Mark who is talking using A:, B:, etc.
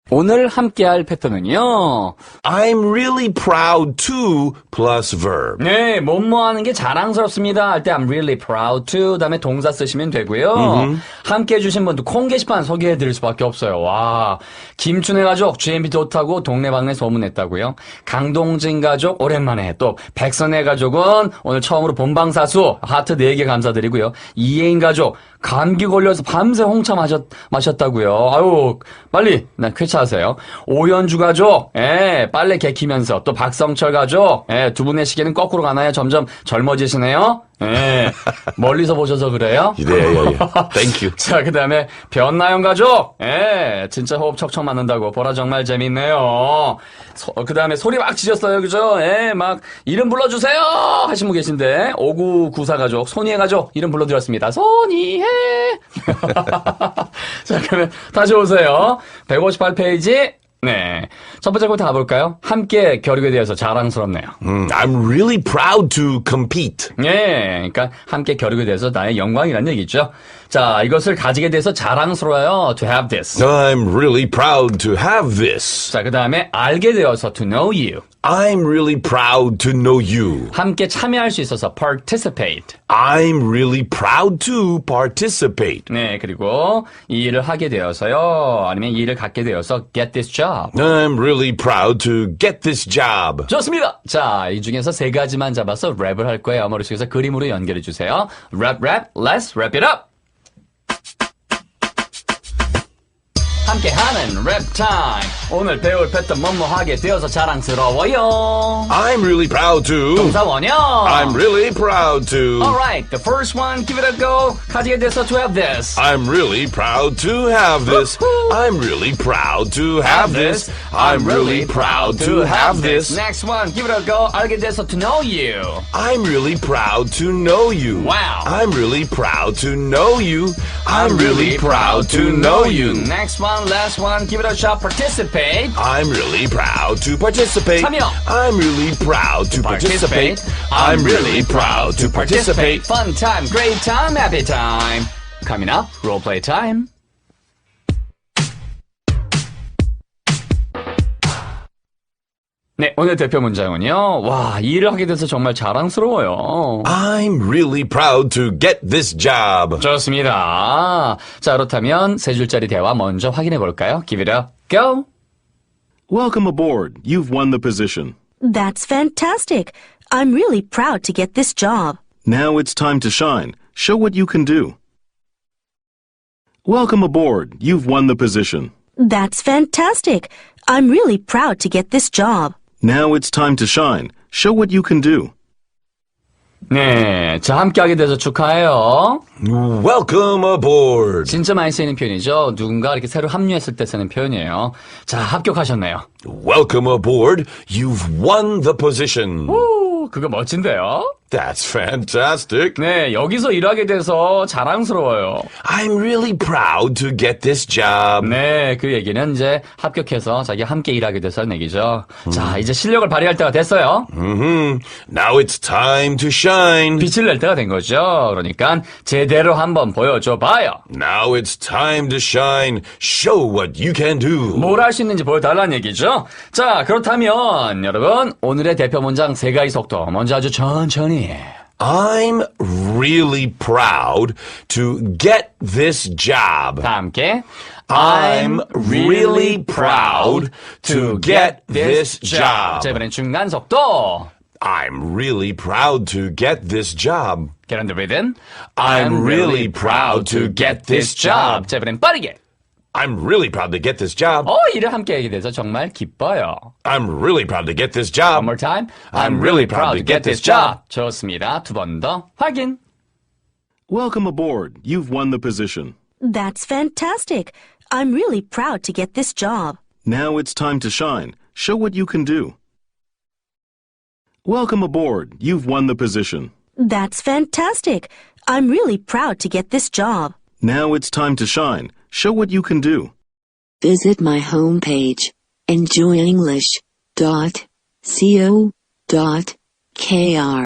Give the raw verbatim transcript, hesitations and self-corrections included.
A: 오늘 함께할 패턴은요.
B: I'm really proud to plus verb.
A: 네, 뭐뭐 하는 게 자랑스럽습니다 할 때 I'm really proud to 다음에 동사 쓰시면 되고요.
B: Mm-hmm.
A: 함께해 주신 분도 콩 게시판 소개해 드릴 수밖에 없어요. 와, 김춘혜 가족 지엠비 좋다고 동네방네 소문냈다고요. 강동진 가족 오랜만에, 또 백선혜 가족은 오늘 처음으로 본방사수 하트 네 개 감사드리고요. 이혜인 가족 감기 걸려서 밤새 홍차 마셨, 마셨다고요. 아유, 빨리 나 쾌차하세요. 오연주 가족, 예, 빨래 개키면서, 또 박성철 가족, 예, 두 분의 시계는 거꾸로 가나요? 점점 젊어지시네요. 예, 멀리서 보셔서 그래요?
B: Yeah, yeah, yeah. Thank you.
A: 자, 그 다음에 변나영 가족, 예, 진짜 호흡 척척 맞는다고 보라 정말 재밌네요. 그 다음에 소리 막 지셨어요, 그죠? 예, 막 이름 불러주세요 하신 분 계신데, 오구구사 가족, 손희애 가족 이름 불러드렸습니다. 손희애. 자, 그러면 다시 오세요. 백오십팔 페이지. 네. 첫 번째 부터 가볼까요? 함께 겨루게 되어서 자랑스럽네요.
B: Mm, I'm really proud to compete.
A: 예, 그러니까 함께 겨루게 돼서 나의 영광이라는 얘기죠. 자, 이것을 가지게 돼서 자랑스러워요. To have this.
B: I'm really proud to have this.
A: 자, 그 다음에 알게 되어서 to know you.
B: I'm really proud to know you.
A: 함께 참여할 수 있어서 participate.
B: I'm really proud to participate.
A: 네, 그리고 이 일을 하게 되어서요. 아니면 이 일을 갖게 되어서 get this job.
B: I'm really proud to get this job.
A: 좋습니다. 자, 이 중에서 세 가지만 잡아서 랩을 할 거예요. 머릿속에서 그림으로 연결해 주세요. 랩, 랩, let's wrap it up. 함께하는 랩 타임. 오늘 배울 패턴 뭐뭐 하게 되어서 자랑스러워요.
B: I'm really proud to.
A: 동사 원형.
B: I'm really proud to.
A: Alright, the first one, give it a go. 가지게 돼서 to have this.
B: I'm really proud to have this. I'm really proud to have this. I'm really proud to have this.
A: Next one, give it a go. 알게 돼서 to know you.
B: I'm really proud to know you.
A: Wow.
B: I'm really proud to know you. I'm really proud to know you.
A: Next one, last one, give it a shot. Participate.
B: I'm really proud to participate.
A: 참여.
B: I'm really proud to participate. I'm really proud to participate.
A: Fun time, great time, happy time. Coming up, role play time. 네, 오늘 대표 문장은요. 와, 이 일을 하게 돼서 정말 자랑스러워요.
B: I'm really proud to get this job.
A: 좋습니다. 자, 그렇다면 세 줄짜리 대화 먼저 확인해 볼까요? Give it a go.
C: Welcome aboard. You've won the position.
D: That's fantastic. I'm really proud to get this job.
C: Now it's time to shine. Show what you can do. Welcome aboard. You've won the position.
D: That's fantastic. I'm really proud to get this job.
C: Now it's time to shine. Show what you can do.
A: 네, 자, 함께하게 돼서 축하해요.
B: Welcome aboard.
A: 진짜 많이 쓰이는 표현이죠. 누군가 이렇게 새로 합류했을 때 쓰는 표현이에요. 자, 합격하셨네요.
B: Welcome aboard. You've won the position.
A: 오, 그거 멋진데요?
B: That's fantastic.
A: 네, 여기서 일하게 돼서 자랑스러워요.
B: I'm really proud to get this job.
A: 네, 그 얘기는 이제 합격해서 자기 함께 일하게 돼서는 얘기죠. 음. 자, 이제 실력을 발휘할 때가 됐어요.
B: Mm-hmm. Now it's time to shine.
A: 빛을 낼 때가 된 거죠. 그러니까 제대로 한번 보여줘 봐요.
B: Now it's time to shine. Show what you can do.
A: 뭘 할 수 있는지 보여달라는 얘기죠. 자, 그렇다면 여러분 오늘의 대표 문장 세 가지 속도 먼저 아주 천천히.
B: I'm really proud to get this job.
A: 다 함께.
B: I'm really proud to get this job.
A: 자, 이번엔 중간 속도.
B: I'm really proud to get this job.
A: Get on the rhythm.
B: I'm really proud to get this job.
A: 자, 이번엔 빠르게.
B: I'm really proud to get this job.
A: 어, 일을 함께 하게 돼서 정말 기뻐요.
B: I'm really proud to get this job.
A: One more time.
B: I'm really proud to get this job.
A: 좋습니다. 두 번 더 확인.
C: Welcome aboard. You've won the position.
D: That's fantastic. I'm really proud to get this job.
C: Now it's time to shine. Show what you can do. Welcome aboard. You've won the position.
D: That's fantastic. I'm really proud to get this job.
C: Now it's time to shine. Show what you can do.
E: Visit my homepage, enjoy english dot co dot k r.